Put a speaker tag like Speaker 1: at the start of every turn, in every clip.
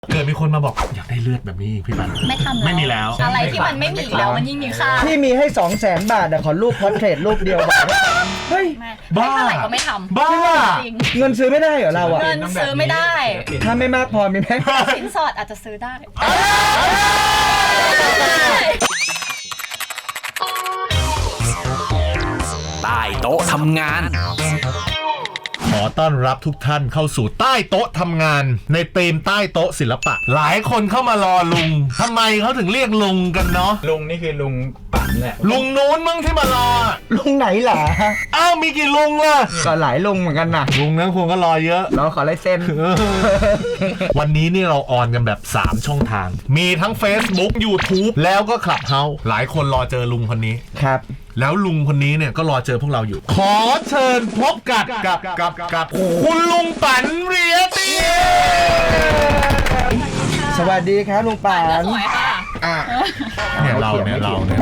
Speaker 1: เกิดมีคนมาบอกอยากได้เลือดแบบนี้พี่ปัน
Speaker 2: ไม่ทำ
Speaker 1: ไม่มีแล้ว
Speaker 2: อะไรที่มันไม่มีแล้วมันยิ่งมีค่า
Speaker 3: ที่มีให้ 200,000 บาทขอรูปพอร์เทรตรูปเดียวบอกเฮ้ย
Speaker 2: ไม่เท่าไหร่ก็ไม่ทำ
Speaker 1: บ้า
Speaker 2: จริง
Speaker 3: เงินซื้อไม่ได้เหรอเราอ่ะ
Speaker 2: เงินซื้อไม่ได้
Speaker 3: ถ้าไม่มากพอมีไหม
Speaker 2: สินสอดอาจจะซื้อได้
Speaker 4: ใต้โต๊ะทำงาน
Speaker 1: ขอต้อนรับทุกท่านเข้าสู่ใต้โต๊ะทำงานในธีมใต้โต๊ะศิลปะหลายคนเข้ามารอลุงทำไมเขาถึงเรียกลุงกันเนาะ
Speaker 5: ลุงนี่คือลุงปั่นแหละ
Speaker 1: ลุงนู้นมึงที่มารอ
Speaker 3: ลุงไหนล่ะ
Speaker 1: อ้าวมีกี่ลุงล่ะ
Speaker 3: ก็หลายลุงเหมือนกันนะ
Speaker 1: ลุงนั้นคงก็รอเยอะ
Speaker 3: เราขอลายเซ็น
Speaker 1: วันนี้นี่เราออนกันแบบ 3 ช่องทาง มีทั้ง Facebook YouTube แล้วก็ Clubhouse หลายคนรอเจอลุงคนนี้
Speaker 3: ครับ
Speaker 1: แล้วลุงคนนี้เนี่ยก็รอเจอพวกเราอยู่ ขอเชิญพบกับคุณลุงปันเรียตี
Speaker 3: สวัสดีครับลุงป่าน
Speaker 2: สวยค่ะ
Speaker 1: เนี่ยเรานะ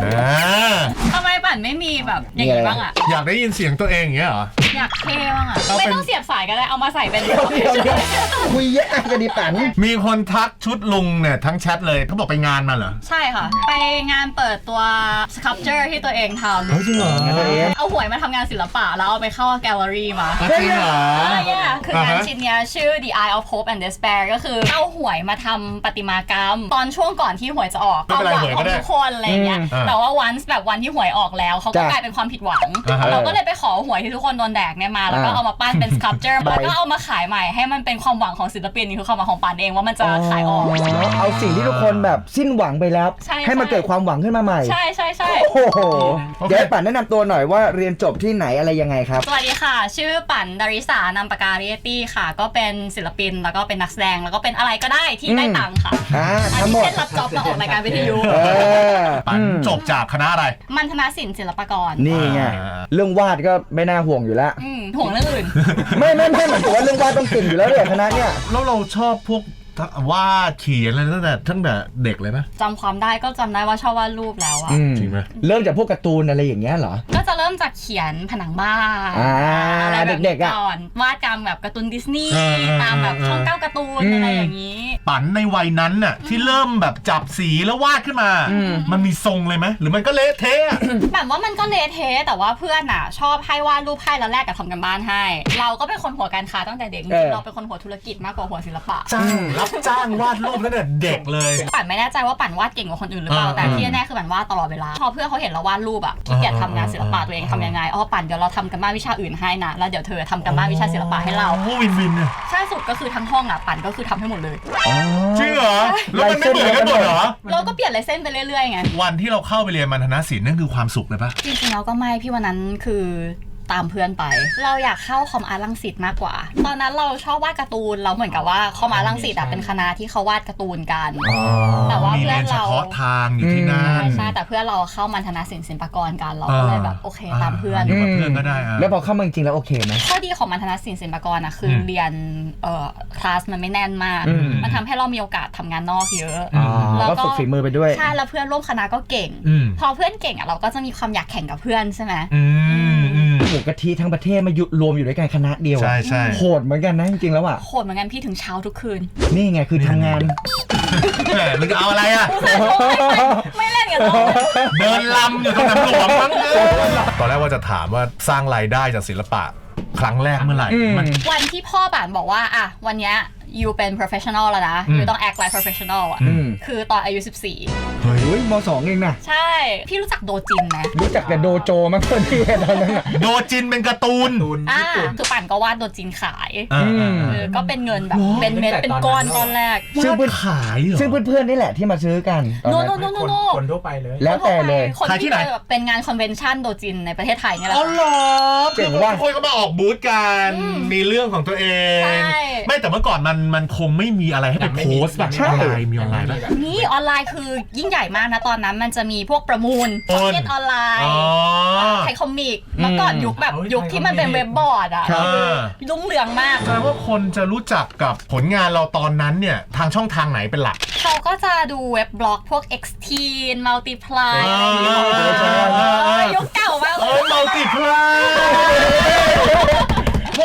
Speaker 2: ทำไมปั่นไม่มีแบบอย่างนี้บ้างอ่ะ
Speaker 1: อยากได้ยินเสียงตัวเองอย่างเงี้ยเหรอ
Speaker 2: อยากเท่บ้างอ่ะ
Speaker 1: เอาเป็น
Speaker 2: ไม่ต้องเสียบสายก็ได้เอามาใส่เป็น
Speaker 3: คุยแยกกันดีป่าน
Speaker 1: มีคนทักชุดลุงเนี่ยทั้งแชทเลยเขาบอกไปงานมาเหรอ
Speaker 2: ใช่ค่ะ ไปงานเปิดตัว sculpture ที่ตัวเองทำ
Speaker 1: จริงเหรอ
Speaker 2: เอาหวยมาทำงานศิลปะแล้วเอาไปเข้าแกลเลอรี่มา
Speaker 1: จริงเหรอ
Speaker 2: คืองานชิ้นเนี้ยชื่อ The Eye of Hope and Despair ก็คือเอาหวยมาทำประติมากรรม ตอนช่วงก่อนที่หวยจะออก
Speaker 1: ไม่เป็นไร
Speaker 2: หวังของทุกคนอะไรเงี้ยแต่ว่าวันที่หวยออกแล้วเขาก็กลายเป็นความผิดหวังเราก็เลยไปขอหวยที่ทุกคนโดนแดกเนี่ยมาแล้วก็เอามาปั้นเป็น sculpture แล้วก็เอามาขายใหม่ให้มันเป็นความหวังของศิลปินนี่คือความหวังของปานเองว่ามันจะขายออก
Speaker 3: เอาสิ่งที่ทุกคนแบบสิ้นหวังไปแล้ว
Speaker 2: ใช่
Speaker 3: ให้มันเกิดความหวังขึ้นมาใหม่
Speaker 2: ใช่
Speaker 3: โอ้โหเดี๋ยวให้ป่านแนะนำตัวหน่อยว่าเรียนจบที่ไหนอะไรยังไงครับ
Speaker 2: สวัสดีค่ะชื่อปั่นดาริสานามปากกาเรตี้ค่ะก็เป็นศิลปินแล้วก็เป็นนักแสดงแล้วก็เป็นอะไรก็ได้ที่ได้ตังค์ค่ะ
Speaker 3: ทั้งหมด
Speaker 2: เช่นรับจ็อบมาออกรายการวิทยุ
Speaker 1: ปันจบจากคณะอะไร
Speaker 2: มัณฑนศิลป์ศิลปากร
Speaker 3: นี่ไงเรื่องวาดก็ไม่น่าห่วงอยู่แล้ว
Speaker 2: ห่วงเรื่องอื่น
Speaker 3: ไม่หมายถึงว่าเรื่องวาดต้องเก่งอยู่แล้วเนี่ยคณะเนี่ย
Speaker 1: แล้วเราชอบพวกวาดเขียนอะไรตั้งแต่เด็กเลยไหม
Speaker 2: จำความได้ก็จำได้ว่าชอบวาดรูปแล้วอะ
Speaker 1: จริงไหม
Speaker 3: เริ่มจากพวกการ์ตูนอะไรอย่างเงี้ยเหรอ
Speaker 2: ก็จะเริ่มจากเขียนผนังบ้าน อะไรแบบ
Speaker 3: เด็
Speaker 2: นี้
Speaker 3: กๆอะ
Speaker 2: ก่อนวาดตามแบบการ์ตูนดิสนีย์ตามแบบช่อง9การ์ตูนอะไรอย่างนี้
Speaker 1: ปันในวัยนั้นน่ะที่เริ่มแบบจับสีแล้ววาดขึ้นมา มันมีทรงเลยไหมหรือมันก็เละเทะ
Speaker 2: แบบว่ามันก็เละเทะแต่ว่าเพื่อนอ่ะชอบให้วาดรูปให้แล้วแลกกับทำกันบ้านให้ เราก็เป็นคนหัวการค้าตั้งแต่เด็กจริงๆเราเป็นคนหัวธุรกิจมากกว่าหัวศิลปะ
Speaker 1: รับจ้างวาดรูปตั้งแต่เด็กเลย
Speaker 2: ปั่นไม่แน่ใจว่าปั่นวาดเก่งกว่าคนอื่นหรือเปล่าแต่ที่แน่ๆคือปั่นวาดตลอดเวลาพอเพื่อนเขาเห็นเราวาดรูปอ่ะขี้เกียจทำงานศิลปะตัวเองทำยังไงปั่นเดี๋ยวเราทำกันบ้านวิชาอื่นให้นะแล้วเดี๋ยวเธอทำกันบ้านวิชาศิลปะให้เรา
Speaker 1: วินวินเนี่ย
Speaker 2: ใช่สุดก็คือทั้งห้องอ่ะปั่นก็คือทำให้หมดเลย
Speaker 1: จริงเหรอแล้วมันไม่เหมือนกันหมดเหรอ
Speaker 2: เราก็เปลี่ยนลายเส้นไปเรื่อยๆไง
Speaker 1: วันที่เราเข้าไปเรียนมัณฑนศิลป์นั่นคือความสุขเลยปะ
Speaker 2: จริงๆแล้วก็ไม่พี่วันนั้นคือตามเพื่อนไปเราอยากเข้าคอมอาร์ตรังสิตมากกว่าตอนนั้นเราชอบวาดการ์ตูนเราเหมือนกับว่าคอมอาร์ตรังสิตเป็นคณะที่เขาวาดการ์ตูนกันแต่ว่า
Speaker 1: มี
Speaker 2: เพื่
Speaker 1: เรี
Speaker 2: อย น
Speaker 1: นเฉ
Speaker 2: เรา
Speaker 1: พาะทางอยู่ที่นั่น
Speaker 2: ใช่แต่เพื่อนเราเข้ามัณฑนศิลป์ศิลปากรกันเราก็เลยแบบโอเคตามเพื่อน
Speaker 1: อยู่กับเพื่อนก็ได้
Speaker 3: แล้วพอเข้ามาจริงๆแล้วโอเคไหม
Speaker 2: ข้อดีของมัณฑนศิลป์ศิลปากรคือเรียนคลาสมันไม่แน่นมากมันทำให้เรามีโอกาสทำงานนอกเยอะแล้ว
Speaker 3: ก็ฝึกฝีมือไปด้วย
Speaker 2: ใช่แล้วเพื่อนร่วมคณะก็เก่งพอเพื่อนเก่งเราก็จะมีความอยากแข่งกับเพื่อนใช่ไหม
Speaker 3: หมูกะทิทั้งประเทศมารวมอยู่ด้วยกันคณะเดียว
Speaker 1: ใช่
Speaker 3: โหดเหมือนกันนะจริงๆแล้วอ่ะ
Speaker 2: โหดเหมือนกันพี่ถึงเช้าทุกคืน
Speaker 3: นี่ไงคือทำงาน
Speaker 1: แหมมึงจะเอาอะไรอ่ะ
Speaker 2: ไม่เล่นกันหรอก
Speaker 1: เดินลำอยู่ตรงสนามหลวงมั้งตอนแรกว่าจะถามว่าสร้างรายได้จากศิลปะครั้งแรกเมื่อไหร่มัน
Speaker 2: วันที่พ่อป่านบอกว่าอ่ะวันเนี้ยยูเป็น professional แล้วนะยูต้อง act like professional อ่ะคือตอนอายุ14
Speaker 3: เฮ้ยม.2 เองนะ
Speaker 2: ใช่พี่รู้จักโดจินไหม
Speaker 3: รู้จักแต่โดโจมั้งคนที่ตอนนั้น
Speaker 1: โดจินเป็นการ์ตูน
Speaker 2: คือป่านก็วาดโดจินขาย ก็เป็นเงินแบบ
Speaker 5: อ๋อ
Speaker 2: เป็นเม็ดเป็นก้อนตอนแรก
Speaker 3: ซึ่ง
Speaker 1: ขายเหรอ
Speaker 3: ซึ่งเพื่อนๆนี่แหละที่มาซื้อกันตอน
Speaker 2: โน
Speaker 3: นั้น
Speaker 2: โนโนโน
Speaker 5: คนทั่วไปเลย
Speaker 3: แล้วแต่เลย
Speaker 2: คนที่แบบเป็นงานคอนเวนชั่นโดจินในประเทศไทยเนี่ยแหละ
Speaker 1: อ๋อเหรอ
Speaker 3: เจ๋งว่ะ
Speaker 1: คนก็มาออกบูธกันมีเรื่องของตัวเอง
Speaker 2: ใช่
Speaker 1: ไม่แต่เมื่อก่อนมันคงไม่มีอะไรให้ไปโพสต์แบบ
Speaker 3: ใช่
Speaker 1: ออนไลน์มีออนไลน์ป่ะ
Speaker 2: นี่ออนไลน์คือยิ่งใหญ่มากนะตอนนั้นมันจะมีพวกประมูล
Speaker 1: โอน
Speaker 2: เก็ตออนไลน์
Speaker 1: อ๋อ
Speaker 2: ไทยคอมิกเมื่อก่อนยุคแบบยุคที่มันเป็นเว็บบอร์ดอ่ะ
Speaker 1: ครับ
Speaker 2: รุ่งเรืองมาก
Speaker 1: แสดงว่าคนจะรู้จักกับผลงานเราตอนนั้นเนี่ยทางช่องทางไหนเป็นหลัก
Speaker 2: เขาก็จะดูเว็บบล็อกพวก X-T Multiply อะไรอย่างเงี้ยยุคเก่ามากเลย
Speaker 1: มัลติพลาย
Speaker 3: พวก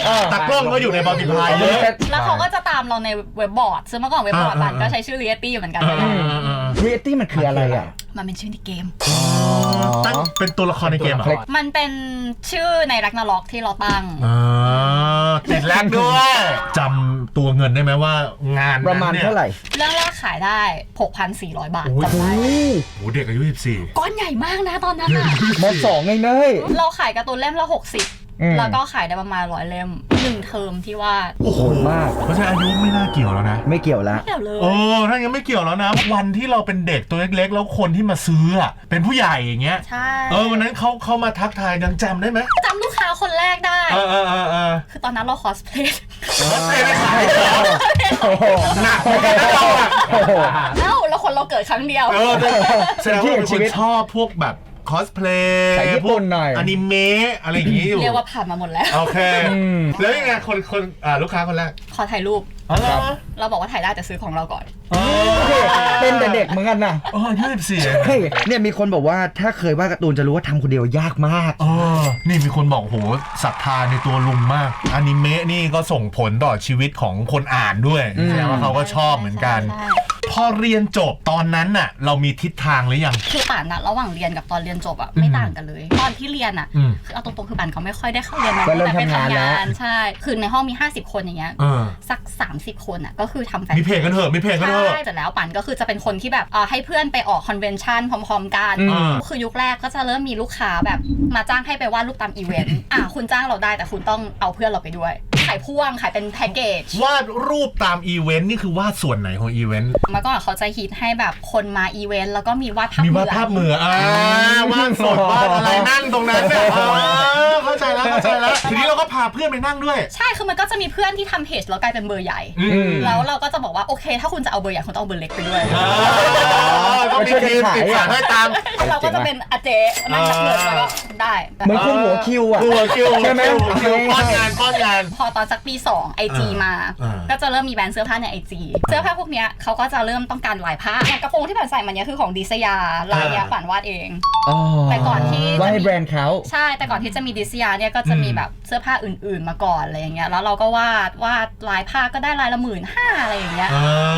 Speaker 1: ตากล้องก็อยู่ในบอลติพายเยอะ
Speaker 2: แล้วเขาก็จะตามเราในเว็บบอร์ดซึ่งเมื่อก่อนเว็บบอร์ดบันก็ใช้ชื่อ Reality อยู่เหมือนกัน
Speaker 3: เรียลตี้มันคืออะไรอ่ะ
Speaker 2: มันเป็นชื่อในเกม
Speaker 1: ตั้งเป็นตัวละครในเกมเหรอ
Speaker 2: มันเป็นชื่อในรักนาล็อกที่เราตั้ง
Speaker 1: ติดแลกด้วยจำตัวเงินได้ไหมว่างาน
Speaker 3: ประมาณเท่าไหร่
Speaker 2: เรื่องแรกขายได้ 6,400 บาท
Speaker 1: โอ้
Speaker 2: จำได้
Speaker 1: โหเด็กอายุ14
Speaker 2: ก้อนใหญ่มากนะตอนนั้นอะ
Speaker 3: ม2ไงเนย
Speaker 2: เราขายการ์ตูนเล่มละ
Speaker 3: อืม
Speaker 2: 60 แล้วก็ขายได้ประมาณ100 เล่ม1 เทอมที่วาด
Speaker 1: โอ้โห
Speaker 3: มาก
Speaker 1: เพราะฉะนั้นอายุไม่น่าเกี่ยวแล้วนะ
Speaker 3: ไม่เกี่ยวละ
Speaker 2: เดี๋ยวเลย
Speaker 1: โอ้ถ้างั้นไม่เกี่ยวแล้วนะ วันที่เราเป็นเด็กตัวเล็กๆ แล้วคนที่มาซื้ออะเป็นผู้ใหญ่อย่างเงี้ย
Speaker 2: ใช่
Speaker 1: วันนั้นเขามาทักทายยังจำได้ไหม
Speaker 2: จำลูกค้าคนแรกได้
Speaker 1: เออ
Speaker 2: คือตอนนั้นเราคอสเพลย์
Speaker 1: ไม่ขายเหรอ
Speaker 3: โอ้โห
Speaker 1: หนักเหมือนกันนะเราอะ
Speaker 3: โอ้โห
Speaker 2: แล้วคนเราเกิดครั้งเดียว
Speaker 1: แสดงว่าเป็นคนชอบพวกแบบคอสเพลย์
Speaker 3: สายญี่ปุ่นหน่อย
Speaker 1: อนิเมะอะไรอย่างงี้อยู่
Speaker 2: เรียกว่าผ่านมาหมดแล้ว
Speaker 1: โอเค แล้วยังไงคนลูกค้าคนแรก
Speaker 2: ขอถ่ายรูป
Speaker 1: อ๋อเหรอ
Speaker 2: เราบอกว่าถ่ายได้แต่ซื้อของเราก่อน
Speaker 3: เป็นแต่เด็กเหมือนกันนะ
Speaker 1: อายุ14
Speaker 3: เฮ้ยเนี่ยมีคนบอกว่าถ้าเคยวาดการ์ตูนจะรู้ว่าทำคนเดียวยากมาก
Speaker 1: นี่มีคนบอกโหศรัทธาในตัวลุงมากอนิเมะนี่ก็ส่งผลต่อชีวิตของคนอ่านด้วยแสดงว่าเขาก็ชอบเหมือนกัน
Speaker 2: ใช่
Speaker 1: พอเรียนจบตอนนั้นน่ะเรามีทิศทางหรือยัง
Speaker 2: คือป่านนะระหว่างเรียนกับตอนเรียนจบอะไม่ต่างกันเลย ตอนที่เรียนอะ คือเอาตรงๆคือป่านเขาไม่ค่อยได้เข้าเรียนมา
Speaker 3: ก็เริ่ม
Speaker 2: แต่ไป
Speaker 3: ทำงานแล้ว
Speaker 2: ใช่ คือในห้องมี50 คนอย่างเงี้ยสัก30 คนอะก็คือทำแฟน
Speaker 1: มีเพลงกันเถอะมีเพลงกันเถอะ
Speaker 2: ใช่เสร็จแล้วป่านก็คือจะเป็นคนที่แบบให้เพื่อนไปออกคอนเวนชั่นพร้อมๆกัน คือยุคแรกก็จะเริ่มมีลูกค้าแบบมาจ้างให้ไปวาดรูปตามอีเวนต์ คุณจ้างเราได้แต่คุณต้องเอาเพื่อนเราไปด้วยขายพ่วงขายเป็นแพ็กเกจ
Speaker 1: วาดรูปตามอีเวนต์นี่คือวาดส่วนไหนของอีเวนต์
Speaker 2: เมื่อก่อนเขาจะฮิตให้แบบคนมาอีเวนต์แล้วก็มีวาดภาพ
Speaker 1: มี
Speaker 2: เหมื
Speaker 1: วา
Speaker 2: อ
Speaker 1: ด
Speaker 2: น
Speaker 1: ภาพเหมือนวาดสดวาดอะไรนั่งตรงนั้นเนี่ยเข้าใจแล้วทีนี้เราก็พาเพื่อนไปนั่งด้วย
Speaker 2: ใช่คือมันก็จะมีเพื่อนที่ทำเพจแล้วกลายเป็นเบอร์ใหญ่แล้วเราก็จะบอกว่าโอเคถ้าคุณจะเอาเบอร์ใหญ่คุณต้องเอาเบอร์เล็กไปด้วย
Speaker 1: ต้องมีทีมติดขาให้ตาม
Speaker 2: เราก็จะเป็นอาเจนั่งนับเงินแล้วก็ได้
Speaker 3: เหมือนคุณหัวคิวอ่ะ ใช่ไหม
Speaker 1: ป้อนงาน
Speaker 2: พอตอนสักปี 2 IG มา ก็จะเริ่มมีแบรนด์เสื้อผ้าใน IG เสื้อผ้าพวกเนี้ยเขาก็จะเริ่มต้องการลายผ้าอย่างกระโปรงที่ผ่านใส่มันเนี้ยคือของดิสยาลายเนี้ยฝันวาดเอง แต่ก่อนที่
Speaker 3: ว่าให้แบรนด์เขา
Speaker 2: ใช่แต่ก่อนที่จะมีดิสยาเนี่ยก็จะมีแบบเสื้อผ้าอื่นๆมาก่อนอะไรอย่างเงี้ยแล้วเราก็วาดลายผ้าก็ได้ลายละ15,000อะไรอย่างเงี้ย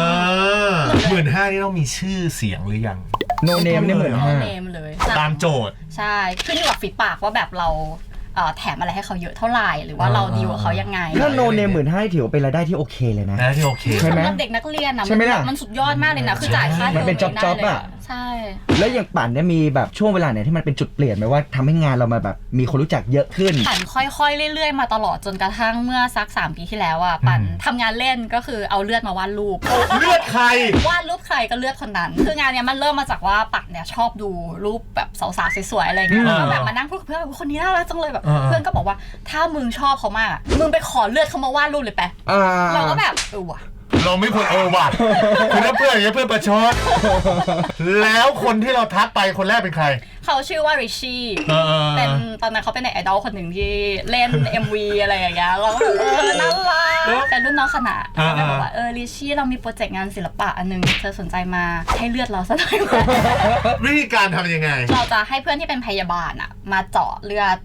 Speaker 1: 15,000นี่ต้องมีชื่อเสียงหรือยัง
Speaker 3: โนเนมเนี่ยเหมือน
Speaker 2: โน
Speaker 3: ห้า
Speaker 2: เนมเลย
Speaker 1: ตามโจทย์
Speaker 2: ใช่ขึ้นอยู่กับฝีปากว่าแบบเราแถมอะไรให้เขาเยอะเท่าไหร่หรือว่าเราดีลกับเขายังไง
Speaker 3: ถ้าโนเนม15,000ถือว่าเป็นรายได้ที่โอเคเลยนะ
Speaker 1: นะที่โอเค
Speaker 3: ใช่ไหม
Speaker 2: สำหรับเด็กนักเรียนนะ
Speaker 3: ใช่ไหมล่ะ
Speaker 2: มันสุดยอดมากเลยนะคือจ่ายค่า
Speaker 3: มันเป็น
Speaker 2: ทม
Speaker 3: จ๊อบๆ
Speaker 2: ได้เลย
Speaker 3: อะ
Speaker 2: ใช่
Speaker 3: แล้วอย่างปั่นเนี่ยมีแบบช่วงเวลาไหนที่มันเป็นจุดเปลี่ยนไหมว่าทำให้งานเรามาแบบมีคนรู้จักเยอะขึ้น
Speaker 2: ปั่นค่อยๆเรื่อยๆมาตลอดจนกระทั่งเมื่อสัก3 ปีที่แล้วอ่ะปั่นทำงานเล่นก็คือเอาเลือดมาวาดรูป
Speaker 1: เลือดใคร
Speaker 2: วาดรูปใครก็เลือดคนนั้น คืองานเนี้ยมันเริ่มมาจากว่าปั่นเนี่ยชอบดูรูปแบบสาวๆสวยๆอะไรเงี้ยแล้วก็แบบมานั่งพูดกับเพื่อนว่าคนนี้น่ารักจังเลยแบบเพื่อนก็บอกว่าถ้ามึงชอบเขามากอะมึงไปขอเลือดเขามาวาดรูปเลยไปเราก็แบบว่ะ
Speaker 1: เราไม่ควรว่ะคือถ้าเพื่อนอย่างเงี้ยเพื่อนประชดแล้วคนที่เราทักไปคนแรกเป็นใคร
Speaker 2: เขาชื่อว่าริชชี่เป็นตอนนั้นเขาเป็นไอดอลคนหนึ่งที่เล่น MV อะไรอย่างเงี้ยเราก็น่ารักเป็นรุ่นน้องคณะเขาก็บอกว่าริชชี่เรามีโปรเจกต์งานศิลปะอันนึงเธอสนใจมาให้เลือดเราสักหน่อยไหม
Speaker 1: วิธีการทำยังไง
Speaker 2: เราจะให้เพื่อนที่เป็นพยาบาลอะมาเจาะเลือด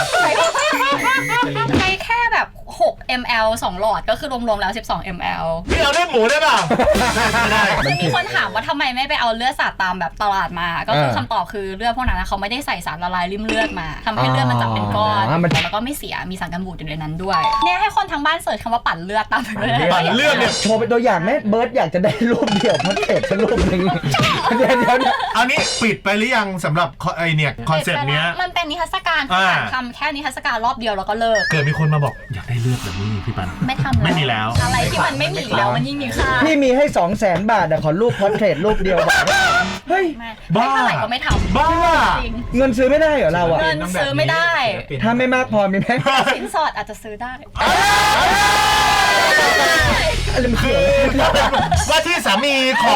Speaker 2: ใช้แค่แบบ6 ml 2 หลอดก็คือรวมๆแล้ว12 ml
Speaker 1: พี่เอาเลือดหมูได้ป่ะไม่ได้
Speaker 2: ซึ่งมีคนถามว่าทำไมไม่ไปเอาเลือดสาดตามแบบตลาดมาก็คือคำตอบคือเลือดพวกนั้นเขาไม่ได้ใส่สารละลายริ่มเลือดมาทำให้เลือดมันจับเป็นก้อนแล้วก็ไม่เสียมีสารกันบูดอยู่ในนั้นด้วยเนี่ยให้คนทางบ้านเสิร์ชคำว่าปั่นเลือดตามไปเลย
Speaker 1: ปั่นเลือดเนี่ย
Speaker 3: โชว์เป็นตัวอย่างไหมเบิร์ดอยากจะได้รูปเดี่ยวพัดเทปสักรูปหนึ่งเดี๋ยว
Speaker 1: เอานี้ปิดไปหรือยังสำหรับไอเนี่ยคอนเซ็ปต์เนี้ย
Speaker 2: มันเป็นนิทรรศการที่ปั่นทำแค่นิทรรศการรอบเดียวแล้วก็เลิก
Speaker 1: เกิดมีคนมาบอกอยากได้เลือดแบบนี้พี่ปัน
Speaker 2: ไม่ทำ
Speaker 1: ไม่มีแล้ว
Speaker 2: อะไรที่มันไม่มีอีกแล้วมันยิ่งมีค่า
Speaker 3: พี่มีให้ 200,000 บาทขอรูปพอร์เทรตรูปเดียวบอกว่าเฮ้ย
Speaker 2: ไม่เท่าไหร่ก็ไม่ทำ
Speaker 1: บ้า
Speaker 2: จริง
Speaker 3: เงินซื้อไม่ได้เหรอเราอ่ะ
Speaker 2: เงินซื้อไม่ได้
Speaker 3: ถ้าไม่มากพอมีไหม
Speaker 2: สินสอดอาจจะซื้อได้
Speaker 3: อะไรมันเขียว
Speaker 1: ว่าที่สามีขอ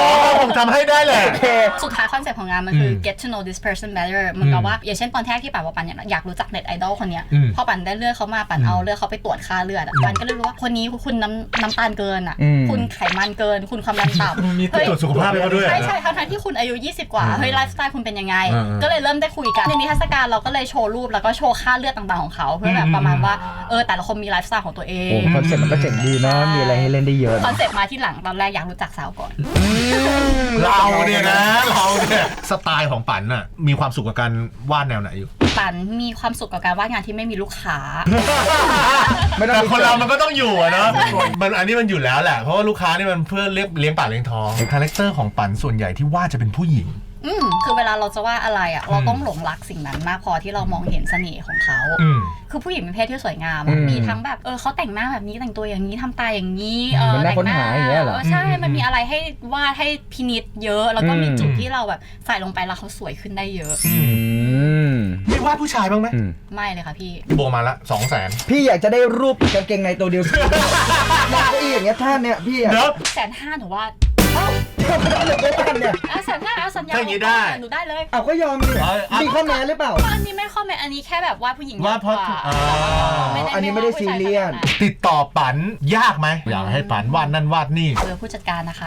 Speaker 1: คงจำให้ได้แหละ
Speaker 3: โอเค
Speaker 2: สุดท้ายคอนเซ็ปต์ของงานมันคือ get to know this person better เหมือนกับว่าอย่างเช่นตอนแรกที่ปันว่าปันอยากรู้จักเน็ตไอดอลคนเนี้ยพอปันได้เลือดเขามาปันเอาเลือดเขาไปตรวจค่าเลือดปันก็เลยรู้ว่าคนนี้คุณน้ำตาลเกินอ่ะคุณไขมันเกินคุณความดันต่ำ
Speaker 5: มี
Speaker 2: เฮ้ย
Speaker 1: ตรวจสุขภาพไปเขาด้วย
Speaker 2: ใช่ทั้งที่คุณอายุ20กว่าเฮ้ยไลฟ์สไตล์คุณเป็นยังไงก็เลยเริ่มได้คุยกันในนิทรรศการเราก็เลยโชว์รูปแล้วก็โชว์ค่าเลือดต่างๆของเขาเพื่อแบบประมาณว่าแต่ละคนมีไลฟ์สไตล์ของตัวเอง
Speaker 3: โอ้คอนเซ็ปต์มันก็เจ๋งดีเนาะมีอะไรให้เล่นได้เยอะ
Speaker 2: คอนเซ็ปต์มาที่หลังตอนแรกอยากรู้จักสาวก่อน
Speaker 1: เราเนี่ยนะเราเนี่ยสไตล์ของปันน่ะมีความสุขกับการวาดแนวไหนอยู่
Speaker 2: ปันมีความสุขกับการวาดงานที่ไม่มีลูกค้า
Speaker 3: ไม่ต้อง
Speaker 1: แต่
Speaker 3: มี
Speaker 1: คนเรามันก็ต้องอยู่อะเนาะมันอันนี้มันอยู่แล้วแหละเพราะว่าลูกค้านี่มันเพื่อเลี้ยงปากเลี้ยงท้องคาแรคเตอร์ของปันส่วนใหญ่ที่วาดจะเป็นผู้หญิง
Speaker 2: คือเวลาเราจะว่าอะไรอ่ะเราต้องหลงรักสิ่งนั้นมากพอที่เรามองเห็นเสน่ห์ของเขาคือผู้หญิงเป็นเพศที่สวยงามมีทั้งแบบเขาแต่งหน้าแบบนี้แต่งตัวอย่างนี้ทำตาอย่างนี้
Speaker 3: มันน่าค้นหาอย่างเงี้ยเหรอ
Speaker 2: ใช่มันมีอะไรให้วาดให้พินิจเยอะแล้วก็มีจุดที่เราแบบใส่ลงไปแล้วเขาสวยขึ้นได้เยอะ
Speaker 1: มีวาดผู้ชายบ้างไหม
Speaker 2: ไม่เลยค่ะพี่
Speaker 1: โบมาละ 200,000
Speaker 3: พี่อยากจะได้รูปกางเกงในตัวเดียวหน้าเก้าอี้อย่างเงี้ยท่านเนี่ยพี่อะ
Speaker 1: เดี๋ยว
Speaker 2: 150,000หนูวาด
Speaker 3: เอ้าเท่ากับเราไปบ้านเนี่ย
Speaker 2: 150,000เอาสัญญา
Speaker 1: ถ้าอย่างงี้ได้
Speaker 2: หนูได้เลย
Speaker 3: เอาก็ยอมดิมีข้อแม้หรือเปล่า
Speaker 2: อันนี้ไม่ข้อแม้อันนี้แค่แบบวาดผู้หญิง
Speaker 1: วาดเพราะ
Speaker 2: มกก
Speaker 3: อันนี้ไม่ได้ซีเรียส
Speaker 1: ติดต่อปันยากไหมอยากให้ปันวาดนั่นวาดนี่
Speaker 2: เบอร์ผู้จัดการนะคะ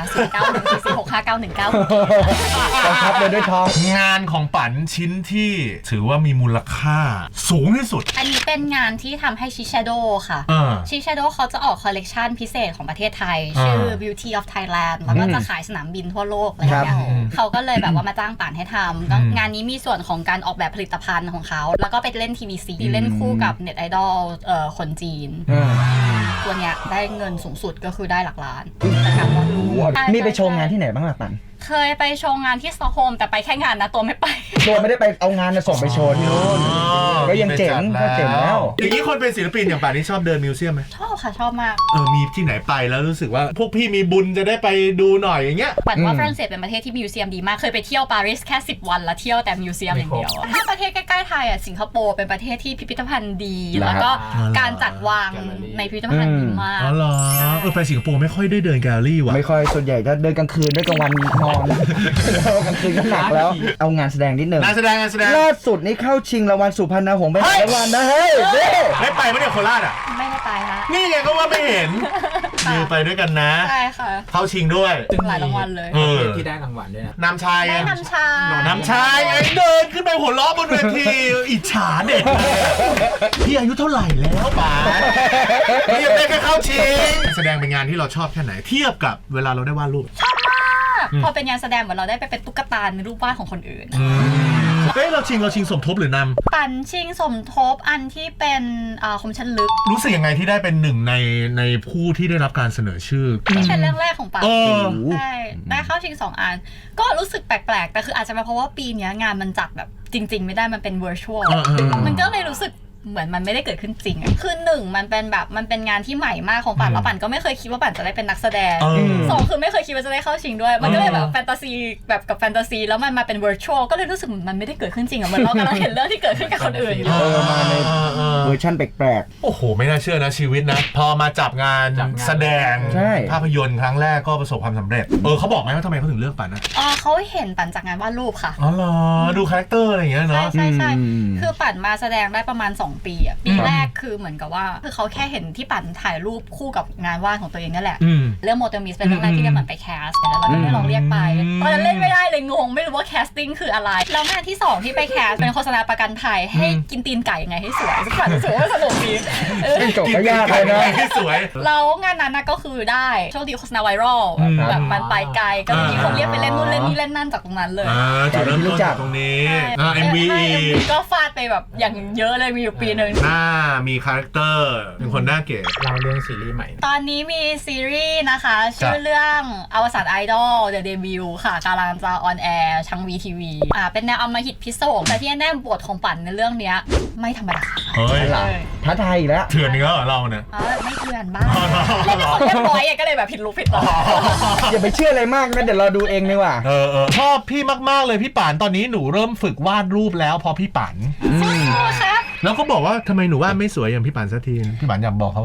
Speaker 2: 0914465919
Speaker 3: กองทัพเดินด้วยท้อง
Speaker 1: งานของปันชิ้นที่ถือว่ามีมูลค่าสูงที่สุด
Speaker 2: อันนี้เป็นงานที่ทำให้ชิชโดค่ะ ชิชโดเขาจะออกคอลเลกชันพิเศษของประเทศไทย ชื่อ Beauty of Thailand แล้วก็จะขายสนามบินทั่วโลกอะไรอย่างเงี้ยเขาก็เลยแบบว่ามาจ้างป่านให้ทำก็งานนี้มีส่วนของการออกแบบผลิตภัณฑ์ของเขาแล้วก็ไปเล่น TVC เล่นคู่กับเน็ตไอดอลคนจีนตัวเนี้ยได้เงินสูงสุดก็คือได้หลักล้านจากการวาดรูป
Speaker 3: นี่ไปโชว์งานที่ไหนบ้างล่ะปัน
Speaker 2: เคยไปโชว์งานที่สต็อกโฮล์มแต่ไปแค่งานนะตัวไม่ไป
Speaker 3: ตัวไม่ได้ไปเอางานส่งไปโชว์ที่นู้นก็ยังเจ๋งก็เจ๋งแล้ว
Speaker 1: อย่างนี้คนเป็นศิลปินอย่างป่านนี้ชอบเดินมิวเซียมไหม
Speaker 2: ชอบค่ะชอบมาก
Speaker 1: มีที่ไหนไปแล้วรู้สึกว่าพวกพี่มีบุญจะได้ไปดูหน่อยอย่างเงี้ย
Speaker 2: ปันว่าฝรั่งเศสเป็นประเทศที่มิวเซียมดีมากเคยไปเที่ยวปารีสแค่10 วันแล้วเที่ยวแต่มิวเซียมอย่างเดียวถ้าประเทศใกล้ๆไทยอ่ะสิงคโปร์เป็นประเทศที่พิพิธภัณฑ์ดีแล้วก็การจัดวางในพิพิธภัณฑ์ดีมาก
Speaker 1: อ๋อเหรอไปสิงคโปร์ไม่ค่อยได้เดินแกลเลอรี่ว่ะ
Speaker 3: ไม่ค่อยส่วนใหญ่จะเดินกลางคืนด้วยกลางวันนอนกลางคืนก็หนักแล้วเอางานแสดงนิดนึง
Speaker 1: งานแสดง
Speaker 3: ล่าสุดนี่เข้าชิงรางวัลสุพรรณหงส์ไปหลายรางวัลนะเฮ้ย
Speaker 1: ได้ไปไหมเนี่ยโคราชอ่ะ
Speaker 2: ไม่ได้ไปฮะ
Speaker 1: นี่ไงก็ว่าไม่เห็นมีไปด้วยกันนะ
Speaker 2: ใช่ค่ะ
Speaker 1: เข้าชิงด้วย
Speaker 2: หลายรางวัลเลย
Speaker 5: ที่ได้รางวัลด้วยนะ
Speaker 1: น้ำชาย
Speaker 2: ได้น้ำชา
Speaker 1: น้ำชายไงเดินขึ้นไปหัวล้อบนเวทีอิจฉาเด็กพี่อายุเท่าไหร่แล้วป๋าพี่ยังได้แค่เข้าชิงแสดงเป็นงานที่เราชอบแค่ไหนเทียบกับเวลาเราได้วาดรูป
Speaker 2: พอเป็นงานแสดงเหมือนเราได้ไปเป็นตุ๊กตาในรูปวาดของคนอื่น
Speaker 1: เฮ้ยเราชิงสมทบหรือนำ
Speaker 2: ปันชิงสมทบอันที่เป็นคมชันลึก
Speaker 1: รู้สึกยังไงที่ได้เป็นหนึ่งในผู้ที่ได้รับการเสนอชื่อ
Speaker 2: ที่เป็นเรื่องแรกของปัน
Speaker 1: เออ
Speaker 2: ใช่ได้เข้าชิง2 อันก็รู้สึกแปลกๆแต่คืออาจจะเป็นเพราะว่าปีนี้งานมันจัดแบบจริงๆไม่ได้มันเป็น virtual มันก็เลยรู้สึกเหมือนมันไม่ได้เกิดขึ้นจริงอะคือ1มันเป็นงานที่ใหม่มากของปันแล้วปันก็ไม่เคยคิดว่าปันจะได้เป็นนักแสดง2คือไม่เคยคิดว่าจะได้เข้าชิงด้วยมันก็เลยแบบแฟนตาซีแบบกับแฟนตาซีแล้วมันมาเป็น virtual ก็เลยรู้สึกมันไม่ได้เกิดขึ้นจริงอะเหมือนเรากำลังเห็นเรื่องที่เกิดขึ้นกับคนอื่นอยู่
Speaker 3: มาในเวอร์ชั่นแปลก
Speaker 1: โอ้โหไม่น่าเชื่อนะชีวิตนะพอมาจับงานแสดง
Speaker 3: ใช่
Speaker 1: ภาพยนตร์ครั้งแรกก็ประสบความสำเร็จเขาบอกไหมว่าทำไมเขาถึงเลือกปันนะ
Speaker 2: เขาเห็นปันจากงานวาดรูปค่ะ
Speaker 1: อ๋อเหรอดูคาแรคเตอร์อะไรอย่างเงี้ยเนาะ
Speaker 2: ใช่คือปันมาแสดงได้ประมาณ2 ปีอะปีแรกคือเหมือนกับว่าคือเขาแค่เห็นที่ปันถ่ายรูปคู่กับงานวาดของตัวเองนั่นแหละเรื่องโมเตมิสเป็นเรื่องแรกที่ได้มันไปแคสต์แล้วเราก็ได้ลองเรียกไปตอนนั้นเล่นไม่ได้เลยงงไม่รู้ว่าแคสติ้งคืออะไรแล้วงานที่2ที่ไปแคสเป็นโฆษณาประกันภัยให้กินตีนไก่ยังไงให้สวยสักวันรู้สึกว่าสนุกดี
Speaker 3: ๆจบก็ยากเลยนะ
Speaker 1: ให้สวย
Speaker 2: แล้วงานนั้นนะก็คือได้โชคดีโฆษณาไวรัลแบบมันไปไกลก็มีคนเรียกไปเล่นนู่นเล่นนี่เล่นนั่นจากตรงนั้นเลย
Speaker 1: จุดเริ่มต้นจากตรงนี้MV
Speaker 2: ก็ฟาดไปแบบอย่างเยอะเลยมีอยู่ปีนึง
Speaker 1: หน้ามีคาแรคเตอร์เป็นคนหน้าเก๋
Speaker 5: เราเรื่องซีรีส์ใหม่
Speaker 2: ตอนนี้มีซีรีส์นะคะชื่อเรื่องอวสานไอดอล The Debut ค่ะกำลังจะออนแอร์ทาง VTV เป็นแนวอำมหิตพิศวงแต่ที่แน่บทของปั่นในเรื่องเนี้ยไม่ธรรมดา
Speaker 1: เฮ้ย
Speaker 3: ท้าทายอีกแล้ว
Speaker 1: เถื่อนเนื้อเหรอเราเนี่ย
Speaker 2: ไม่เถื่อนบ้างเล่นเป็นคนเรียบร้อยก็เลยแบบผิดรู้ผิดต่อ
Speaker 3: อย่าไปเชื่ออะไรมากนะเดี๋ยวเราดูเองดีกว่า
Speaker 1: ชอบพี่มากๆเลยพี่ป่านตอนนี้หนูเริ่มฝึกวาดรูปแล้วพอพี่ป่าน
Speaker 2: ครับ
Speaker 1: แล้วก็บอกว่าทำไมหนูวาดไม่สวยอย่างพี่ป่านสักทีพี่ป่านอยากบอกเขาว่าไง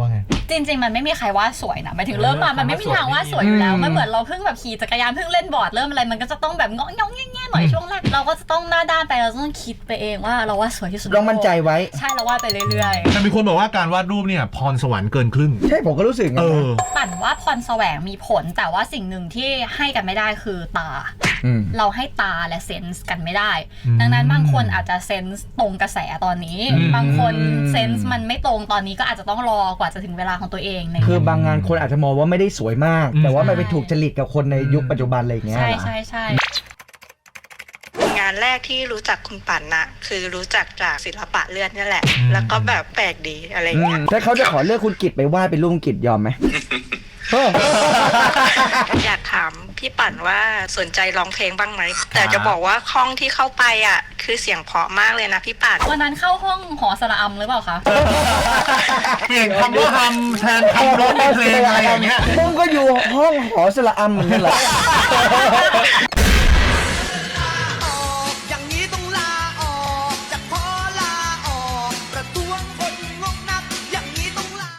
Speaker 2: จริงๆมันไม่มีใครว่าสวยนะหมายถึงเริ่มมามันไม่มีทางว่าสวยอยู่แล้วมันเหมือนเราเพิ่งแบบขี่จักรยานเพิ่งเล่นบอร์ดเริ่มอะไรมันก็จะต้องแบบงองแง่ๆหน่อยช่วงแรกเราก็จะต้องหน้าด้านไปเราต้องคิดไปเองว่าเราว่าสวยที่สุด
Speaker 3: ลองมั่นใจไว้
Speaker 2: ใช่เราวาดไปเรื่อยๆ
Speaker 1: แต่มีคนบอกว่าการวาดรูปเนี่ยพรสวรรค์เกินครึ่ง
Speaker 3: ใช่ผมก็รู้สึกไง
Speaker 2: ปั่นว่าพรแสวงมีผลแต่ว่าสิ่งหนึ่งที่ให้กันไม่ได้คือตา เราให้ตาและเซนส์กันไม่ได้ ดังนั้นบางคนอาจจะเซนส์ตรงกระแสตอนนี้ บางคนเซนส์มันไม่ตรงตอนนี้ก็อาจจะต้องรอกว่าจะถึงเวลาของตัวเองใน
Speaker 3: คือบางงานคนอาจจะมองว่าไม่ได้สวยมาก แต่ว่ามันไปถูกจริตกับคนในยุคปัจจุบันอะไรอย่างเงี้ย
Speaker 2: ใช่ใช่ใช่
Speaker 6: งานแรกที่รู้จักคุณปั่นนะคือรู้จักจากศิลปะเลือดนี่แหละ แล้วก็แบบแปลกดีอะไรเงี้ย
Speaker 3: ถ้าเขาจะขอเลือกคุณกิตไปวาดเป็นรูปคุณกิตยอมไหม
Speaker 6: อยากถามพี่ปั่นว่าสนใจร้องเพลงบ้างไหม แต่จะบอกว่าห้องที่เข้าไปอ่ะคือเสียงเพราะมากเลยนะพี่ปั่น
Speaker 2: วันนั้นเข้าห้องหอสระอำหรือเปล่าคะ
Speaker 1: เปลี่ยนคำว่าฮัมแทนคำร้องในเพลงอะไรอย่างเงี้ย
Speaker 3: มึงก็อยู่ห้องหอสระอำเหมือนกันเหรอ